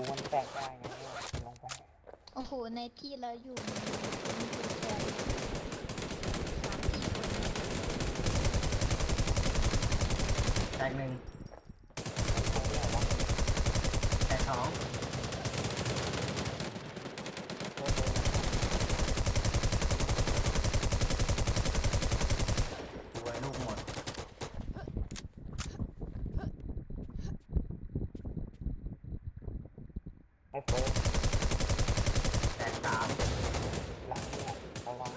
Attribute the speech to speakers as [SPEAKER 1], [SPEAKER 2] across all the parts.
[SPEAKER 1] มันแตกได้ไงลงไป
[SPEAKER 2] โอ้โหในที่เราอยู่มันมีแค่
[SPEAKER 3] แตกหนึ่งแตกสองตัวลูกหมด
[SPEAKER 1] ไอ้เฟิร์ส
[SPEAKER 3] แตกสาม
[SPEAKER 1] หลังเนี่ยระวัง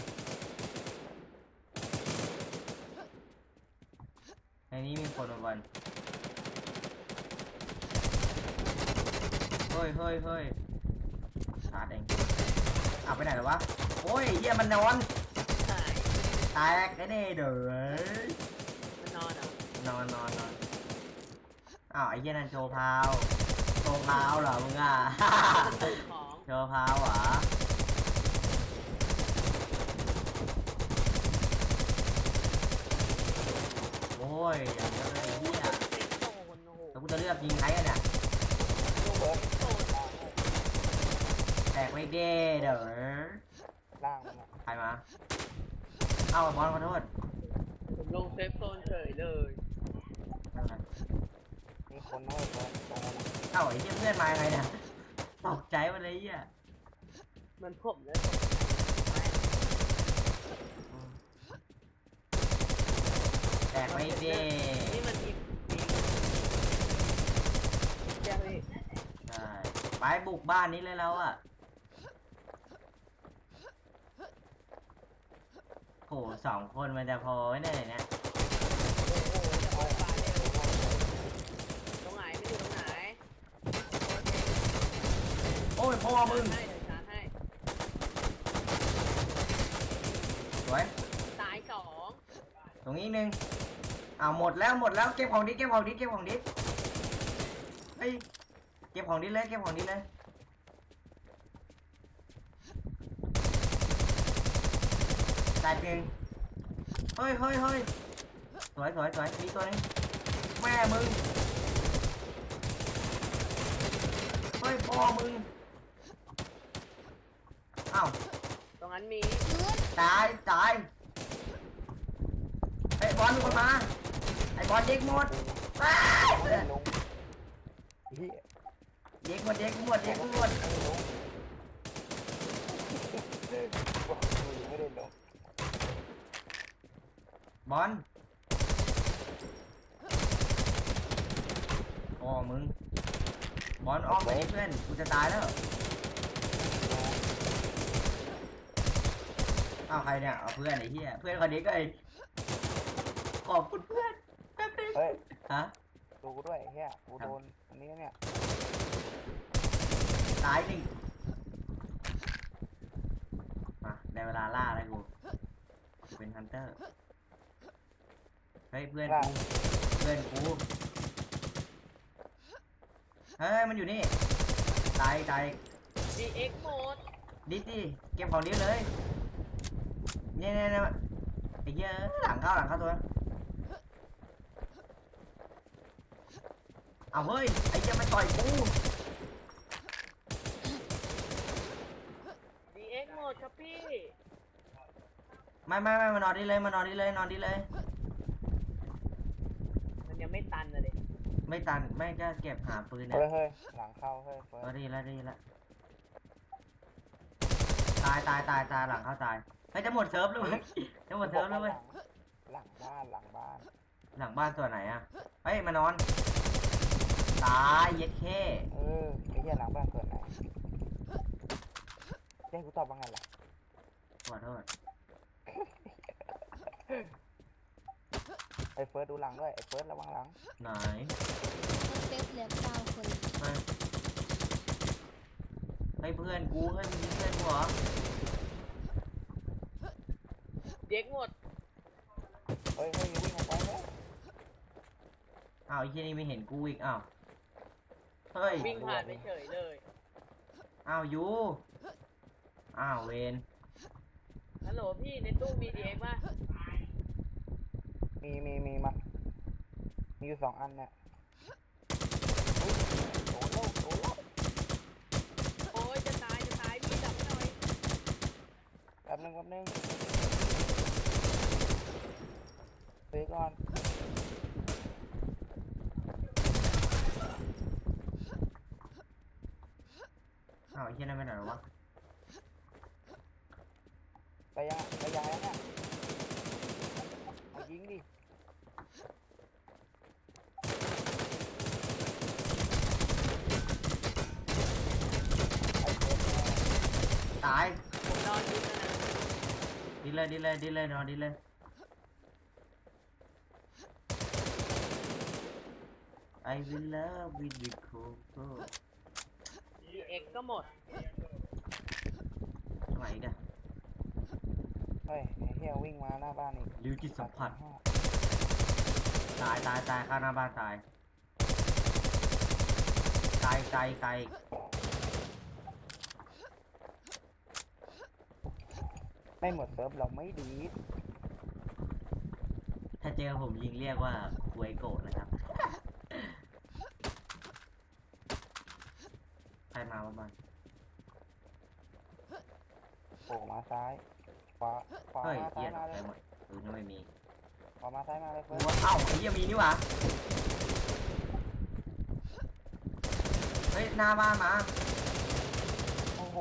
[SPEAKER 3] ในนี้มีคนมาวันเฮ้ยเฮ้ยเฮ้ยชาร์จเองเอาไปไหนแล้ววะโอ้ยเหี้ยมันนอน
[SPEAKER 4] หาย
[SPEAKER 3] แตกไอ้นี่เด้อ
[SPEAKER 4] มันนอนเหรอน
[SPEAKER 3] อนอ้าวไอ้เหี้ยนั่นโชว์พาวโชว์พาวเหรอมึงอ่ะ
[SPEAKER 4] ของ
[SPEAKER 3] โชว์พาวเหรอโอ้ยอย่างเดียวเลยไอ้เหี้ย
[SPEAKER 4] เซ็ตโซนโอ้โห
[SPEAKER 3] แล้วกูจะเลือกยิงใครกันเนี่ย
[SPEAKER 1] เฟิร์ส
[SPEAKER 4] โซน
[SPEAKER 3] แตกไปเด้เด้อ
[SPEAKER 1] ล่างมันอะ
[SPEAKER 3] ใครมาเอ้าบอลขอโทษ
[SPEAKER 4] ผมลงเซฟโซนเฉยเลย
[SPEAKER 3] ไม่เป็นไร
[SPEAKER 1] มีคนน้อยเฟิร์สตรงนั้นอะ
[SPEAKER 3] เอ้าไอ้เหี้ยเพื่อนมายังไงเนี่ยตกใจหมดเลยไอ้เหี้ย
[SPEAKER 4] มันผมเลย
[SPEAKER 3] แตกไปเด้
[SPEAKER 4] นี่มันอีกแก้วนี่
[SPEAKER 3] ใช่ไปบุกบ้านนี้เลยแล้วอ่ะโหสองคนมันจะพอไว้เนี่ยเนี่ย
[SPEAKER 4] โอ้โหจะปล่อยปลาเร็วตรงไหนไม่อยู่ตรงไหน
[SPEAKER 3] โอ้ยพ่อมึง
[SPEAKER 4] ให้เดี๋ยวชาร์จให้
[SPEAKER 3] สวย
[SPEAKER 4] ตายสอง
[SPEAKER 3] ตรงนี้อีกนึงอ้าวหมดแล้วเก็บของดิเก็บของดิเฮ้ยเก็บของดิเลยแตกหนึ่งเฮ้ยสวยมีตัวนึงแม่มึงเฮ้ยพ่อมึงอ้าว
[SPEAKER 4] ตรงนั้นมี
[SPEAKER 3] ตายไอ้บอลมีคนมาไอ้บอลเด็กหมดว้าย
[SPEAKER 1] ไม่ได้ลงเฮีย
[SPEAKER 3] เด็กหมด
[SPEAKER 1] ไม่ได้ลงบอกมึงไม่ได้ลง
[SPEAKER 3] บอลโอ้มึงบอลออกไปดิเพื่อนกูจะตายแล้วอ้าวใครเนี่ยเอาเพื่อนไอ้เหี้ยเพื่อนคนนี้ก็ไอ้ขอบคุณเพื่อนแป๊บนึง
[SPEAKER 1] เฮ้ย
[SPEAKER 3] ฮะ
[SPEAKER 1] ดูกูด้วยเฮียกูโดนอันนี้เนี่ย
[SPEAKER 3] ตายหนึ่งมาได้เวลาล่าแล้วกูเป็นฮันเตอร์เฮ้ยเพื่อนกูเฮ้ยมันอยู่นี่ตาย
[SPEAKER 4] ดีเอ็กโหมด
[SPEAKER 3] ดิเก็บของดิเลยเนี่ยไอ้เหี้ยหลังเข้าตัวเอาเฮ้ยไอ้เหี้ยมันต่อยกู
[SPEAKER 4] ดีเอ็กโหมดครับพี่
[SPEAKER 3] ไม่มานอนดิเลยนอนดิเลย
[SPEAKER 4] มันยังไม่ตันเลย
[SPEAKER 3] ไม่ตันไม่ก็เก็บหาปืนเนี่ย
[SPEAKER 1] เฮ้ยหลังเข้าเฮ้ยเฟิร์ส
[SPEAKER 3] ดีแล้วตายหลังเข้าตายเฮ้ยจะหมดเซิร์ฟแล้วเว้ยจะหมดเซิร์ฟแล้วเว้ย
[SPEAKER 1] หลังบ้าน
[SPEAKER 3] หลังบ้านตัวไหนอะเฮ้ยมานอนตายเย็ดเข้
[SPEAKER 1] ไอ้เหี้ยหลังบ้านเกิดไหนเจ๊กูตอบว่าไงล่ะ
[SPEAKER 3] ขอโทษ
[SPEAKER 1] ไอ้เฟิร์สดูหลังด้วยไอ้เฟิร์สระวังหลัง
[SPEAKER 3] ไหน
[SPEAKER 2] เซฟเหลือ9 คน
[SPEAKER 3] ให้เพื่อนกูให้มึงยิงเพื่อนกูเหรอ
[SPEAKER 4] เด็กหมด
[SPEAKER 1] เฮ้ยวิ่งออกไปเลย
[SPEAKER 3] อ้าวไอ้ที่นี่ไม่เห็นกูอีกอ้าวเฮ้ย
[SPEAKER 4] วิ่งผ่านไปเฉยเลย
[SPEAKER 3] อ้าวยูอ้าวเวน
[SPEAKER 4] ฮัลโหลพี่ในตู้มีดีเอ็กป่ะ
[SPEAKER 1] มีมามีอยู่2 อันเนี่ยโอ้โหก่อน
[SPEAKER 3] อ้าวไอ้เหี้ยนั่นไม่ไหนหรอวะ
[SPEAKER 1] ไปยังไปยังแล้วเนี่ยเอายิงดิไอ้เฟิร์ส
[SPEAKER 3] ตาย
[SPEAKER 4] ผมนอนดิ้นนะ
[SPEAKER 3] ดีเลยดีเลยดีเลยนอนดีเลย I will love with the coco
[SPEAKER 4] เอ็กก็หมด
[SPEAKER 3] ทำไมอีกัน
[SPEAKER 1] เฮ้ยไอ้เหี้ยวิ่งมาหน้าบ้านอีก
[SPEAKER 3] ริวจิตสัมผัส
[SPEAKER 1] 85
[SPEAKER 3] ตายตายตายข้างหน้าบ้านตายไกลไกลไกล
[SPEAKER 1] ไม่หมดเซิร์ฟเราไม่ดี
[SPEAKER 3] ถ้าเจอผมยิงเรียกว่าควยโกะนะครับ ใครมาบ้าง
[SPEAKER 1] โผล่มาซ้ายขวาขวา
[SPEAKER 3] เฮ้ย
[SPEAKER 1] มา
[SPEAKER 3] เกี
[SPEAKER 1] ซ้าย
[SPEAKER 3] ยร์
[SPEAKER 1] มาเลย
[SPEAKER 3] ไปหมดดูนี่ไม่มี
[SPEAKER 1] ขวามาซ้ายมาเลย
[SPEAKER 3] กู
[SPEAKER 1] เฟิร์ส
[SPEAKER 3] ว่าเอ้าไอ้เหี้ยังมีนี่หว่าเฮ้ยหน้าบ้านมา
[SPEAKER 1] โอ้โห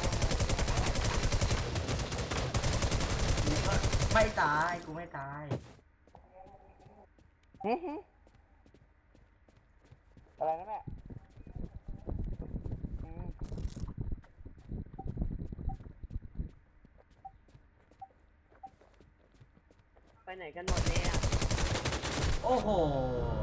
[SPEAKER 3] กูก็ไม่ตายกูไม่ตาย
[SPEAKER 1] หึหึอะไรนะแม่อืม
[SPEAKER 4] ไปไหนกันหมดเนี่ย
[SPEAKER 3] โอ้โห